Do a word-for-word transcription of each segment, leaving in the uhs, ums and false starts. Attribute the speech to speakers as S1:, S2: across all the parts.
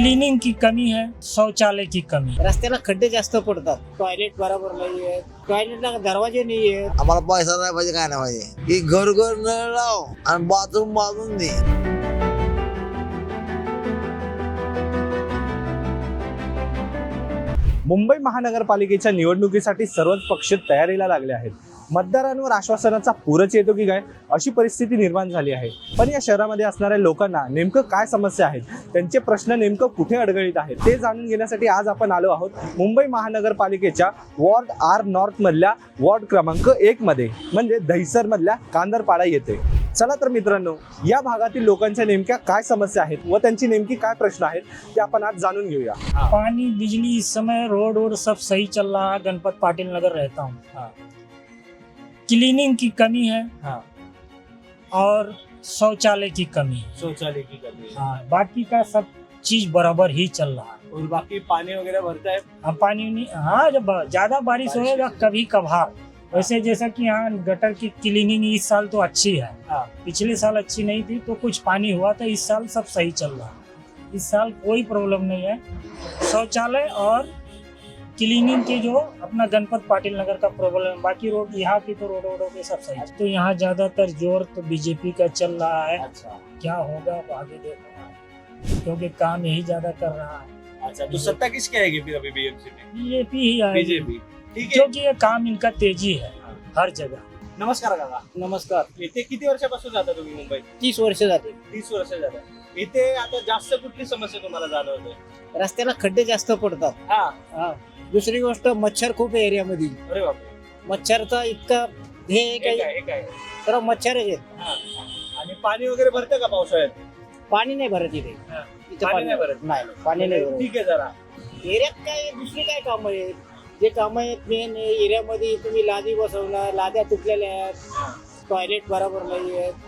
S1: Cleaning की कमी है, शौचालय की कमी है।
S2: रस्त्याला खड्डे जास्त पडतात, टॉयलेट बरोबर नाही आहे, टॉयलेटला दरवाजे नाही आहेत.
S3: आम्हाला पैसा नाही पाहिजे, काय नाही पाहिजे, की घर घर नळ लाव आणि बाथरूम बांधून दे.
S4: मुंबई महानगरपालिकेच्या निवडणुकीसाठी सर्वच पक्ष तयारीला लागले आहेत. मतदारांवर आश्वासनाचा पूरच येतो की काय अशी परिस्थिती निर्माण झाली आहे. पण या शहरामध्ये असणाऱ्या लोकांना नेमकं काय समस्या आहेत, त्यांचे प्रश्न नेमकं कुठे अडगळीत आहेत ते जाणून घेण्यासाठी आज आपण आलो आहोत मुंबई महानगरपालिकेच्या वॉर्ड आर नॉर्थ मधल्या वॉर्ड क्रमांक एक मध्ये, म्हणजे दहिसर मधल्या कांदरपाडा येथे. चला तर मित्रांनो, या भागातील लोकांच्या नेमक्या काय समस्या आहेत व त्यांची नेमकी काय प्रश्न आहेत ते आपण आज जाणून घेऊया.
S1: पानी, बिजली, इस समय रोड वोड सब सही चल रहा है। गणपत पाटिल नगर रहता हूँ।
S4: हाँ।
S1: क्लीनिंग की कमी है
S4: हाँ।
S1: और शौचालय की कमी है।
S4: शौचालय की कमी है।
S1: हाँ, बाकी का सब चीज बराबर ही चल रहा है।
S4: और बाकी पानी वगैरह भरता है।
S1: हाँ, पानी उनी- हाँ, जब ज्यादा बारिश होएगा कभी कभार, वैसे जैसा कि यहाँ गटर की क्लीनिंग इस साल तो अच्छी है।
S4: हाँ।
S1: पिछले साल अच्छी नहीं थी तो कुछ पानी हुआ था, इस साल सब सही चल रहा है। इस साल कोई प्रॉब्लम नहीं है। शौचालय और क्लीनिंग के जो अपना गणपत पाटिल नगर का प्रॉब्लम है, बाकी रोड यहाँ की तो रोड वोडों के सब सही है। तो यहाँ ज्यादातर जोर तो बीजेपी का चल रहा है।
S4: अच्छा
S1: क्या होगा वो आगे देखना, क्योंकि काम यही ज्यादा कर रहा है।
S4: अच्छा, तो सत्ता किसकी आएगी फिर अभी बीएमसी में?
S1: बीजेपी ही आएगी,
S4: बीजेपी. ठीक आहे.
S1: क्योंकि ये काम इनका तेजी है हर जगह।
S4: नमस्कार काका.
S2: नमस्कार.
S4: इथे किती वर्षापासून जाता तुम्ही मुंबईत?
S2: तीस वर्ष जाते.
S4: तीस वर्ष जातात. इथे आता जास्त कुठली समस्या तुम्हाला जाणवते?
S2: रस्त्याला खड्डे जास्त पडतात.
S4: हा.
S2: हा. दुसरी गोष्ट, मच्छर खूप आहे एरियामध्ये.
S4: अरे बापरे.
S2: मच्छरचा इतका हे आहे
S4: एक
S2: काही
S4: आहे, एक आहे.
S2: तर मच्छरच आहेत.
S4: हा. आणि पाणी वगैरे भरतं का पावसाळ्यात?
S2: पाणी नाही भरत इथे.
S4: हा.
S2: इथे
S4: पाणी नाही भरत?
S2: नाही, पाणी नाही भरत.
S4: ठीक आहे जरा.
S2: एरियात काय दुसरी काय कामं आहेत, जे कामं आहेत मेन एरियामध्ये तुम्ही लादी बसवणार, लाद्या तुटलेल्या आहेत, टॉयलेट बरोबर नाही आहेत.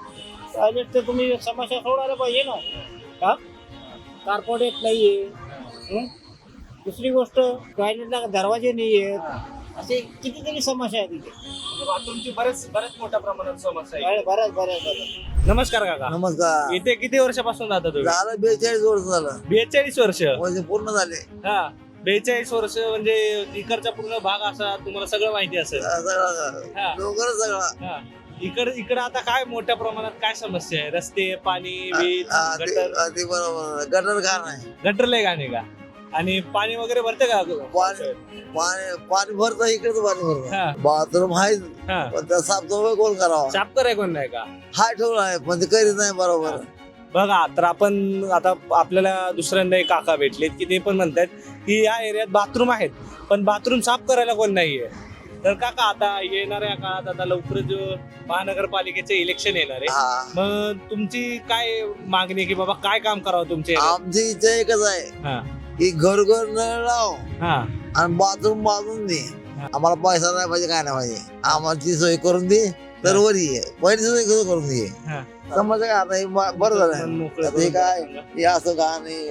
S2: टॉयलेट तर तुम्ही समस्या सोडायला पाहिजे ना. हा, कार्पोरेट नाही आहे. दुसरी गोष्ट, टॉयलेटला दरवाजे नाही आहेत. असे कितीतरी समस्या आहेत इथे.
S4: बाथरूमची बरेच बरेच मोठ्या प्रमाणात समस्या आहे.
S2: बऱ्याच बऱ्याच बऱ्याच
S4: नमस्कार काका.
S3: नमस्कार.
S4: इथे किती वर्षापासून जाता तुम्ही?
S3: झालं बेचाळीस वर्ष झालं,
S4: बेचाळीस वर्ष.
S3: म्हणजे पूर्ण झाले.
S4: हा, बेचाळीस वर्ष म्हणजे इकडचा पूर्ण भाग असा तुम्हाला सगळं माहिती असेल.
S3: सगळं
S4: हा.
S3: डोंगर सगळं.
S4: हा. इकड इकडे आता काय मोठ्या प्रमाणात काय समस्या आहे? रस्ते, पाणी, वीज,
S3: हा, ते-
S4: गटर.
S3: हा, ते बरोबर. गटर का नाही,
S4: गटर लय गाणे का? आणि पाणी वगैरे भरतं का?
S3: पाणी पाणी पाणी भरतं, इकडेच पाणी भरतं.
S4: हा.
S3: बाथरूम आहे
S4: हा.
S3: पण त्या साफसफाई कोण करावा?
S4: साफ कराय कोण नाही का?
S3: हाय ठेवला आहे पण ते करीत नाही बरोबर.
S4: बघा, तर आपण आता आपल्याला दुसऱ्यांदा एक काका भेटलेत की ते पण म्हणतात की या एरियात बाथरूम आहेत पण बाथरूम साफ करायला कोण नाहीये. तर काका, आता येणाऱ्या काळात आता लवकरच महानगरपालिकेचे इलेक्शन येणार आहे.
S3: हा,
S4: मग तुमची काय मागणी आहे की बाबा काय काम करावं तुमचे?
S3: आमची इच्छा एकच आहे
S4: हा.
S3: की घर घर नळ लाव
S4: हा.
S3: आणि बाथरूम बांधून दे. आम्हाला पैसा नाही पाहिजे, काय नाही पाहिजे, आम्हाला सोय करून दे तर वरी आहे. पहिली सोय कसं करून दे.
S4: हा.
S3: समज काय आता हे ब- बरं
S4: मन
S3: झालं.
S4: मोकळं
S3: आता हे
S4: करून
S3: काय
S4: टाका.
S3: हे असं का नाही,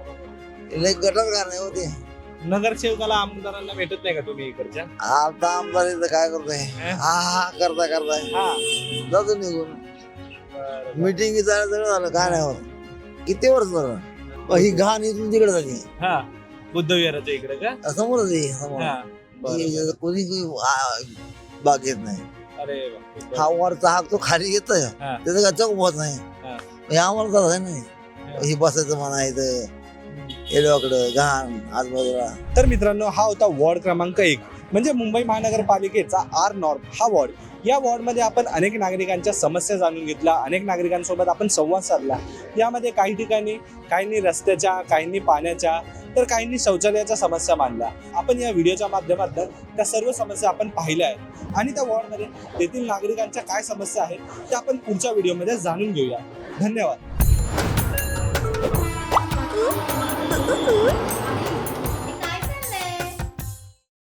S3: हे गटर का नाही होते.
S4: नगरसेवकाला आमदारांना भेटत नाही का तुम्ही इकडच्या?
S3: आता आमदार इथं काय करतोय, हा हा करता करताय
S4: हा.
S3: जातो निघून.
S4: बरं.
S3: मिटिंग झालं सगळं झालं, काय नाही होत. किती वर्ष झालं मग ही घाण इथून तिकडे झाली.
S4: हा. बुद्धविहाराच्या इकडे का?
S3: समोरच आहे, समोर.
S4: हा. बरं.
S3: हे कोणी कोणी, आ, बाग येत नाही.
S4: अरे बापरे.
S3: हा वरचा हाक तो खाली येतोय,
S4: हा.
S3: त्याचं काय चौक होत नाही.
S4: हा.
S3: हे आम्हाला तर आहे नाही. ही बसायचं म्हणा इथं एडवाकडं घाण आजूबाजूला.
S4: तर मित्रांनो, हा होता वॉर्ड क्रमांक एक, म्हणजे मुंबई महानगरपालिकेचा आर नॉर्थ हा वॉर्ड. या वॉर्डमध्ये आपण अनेक नागरिकांच्या समस्या जाणून घेतल्या, अनेक नागरिकांसोबत आपण संवाद साधला. यामध्ये काही ठिकाणी काहींनी रस्त्याच्या, काहींनी पाण्याच्या, तर काहींनी शौचालयाच्या समस्या मांडल्या. आपण या व्हिडिओच्या माध्यमातून त्या सर्व समस्या आपण पाहिल्या आहेत आणि त्या वॉर्डमध्ये तेथील नागरिकांच्या काय समस्या आहेत त्या आपण पुढच्या व्हिडिओमध्ये जाणून घेऊया. धन्यवाद.